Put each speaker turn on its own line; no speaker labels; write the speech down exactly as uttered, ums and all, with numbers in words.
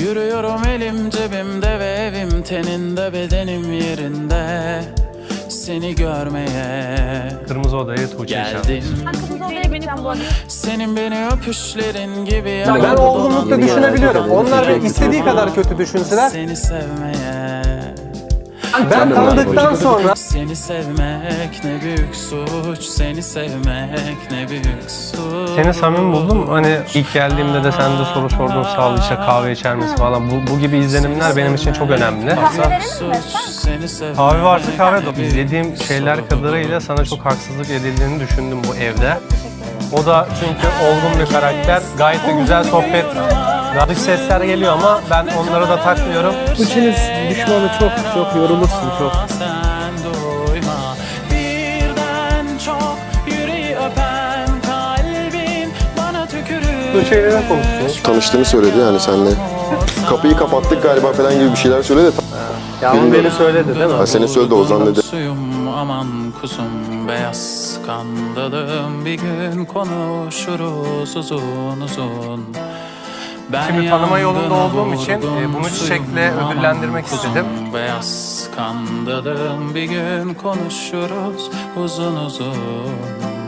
Yürüyorum elim cebimde ve evim teninde, bedenim yerinde. Seni görmeye
Kırmızı Oda'ya Tuğçe
geldim.
Ben kırmızı odaya gideceğim bu arada.
Senin beni öpüşlerin gibi
Ben
yaralı
olgunlukla
bulan-
düşünebiliyorum. Onlar beni istediği kadar kötü düşünseler,
Seni sevmeye,
ben tanıdıktan sonra
seni sevmek ne büyük suç, seni sevmek ne büyük suç.
seni samimi buldum. Hani ilk geldiğimde de sen de soru sordun, sağ ol işte kahve içer misin falan. Bu, bu gibi izlenimler benim için çok önemli. Kahve varsa kahve de. İzlediğim şeyler kadarıyla sana çok haksızlık edildiğini düşündüm bu evde. O da çünkü olgun bir karakter. Gayet de güzel sohbet. Dış sesler geliyor ama ben onlara da takmıyorum.
İkiniz düşmanı çok çok yorulursun çok.
Sen duyma, birden çok yüreği öpen kalbin bana tükürür.
Bu şeylerden konuşuyoruz.
Tanıştığını söyledi yani seninle. Kapıyı kapattık galiba falan gibi bir şeyler söyledi.
Ya ama beni söyledi değil mi?
Ha, seni söyledi, Ozan dedi.
Suyum aman kusum, beyaz skandalım, bir gün konuşuruz uzun uzun. Ben
Şimdi tanıma yolunda
yangına
olduğum için, e,
vurdum,
bunu çiçekle
suyum aman
ödüllendirmek
kusum,
istedim.
Beyaz skandalım, bir gün konuşuruz uzun uzun.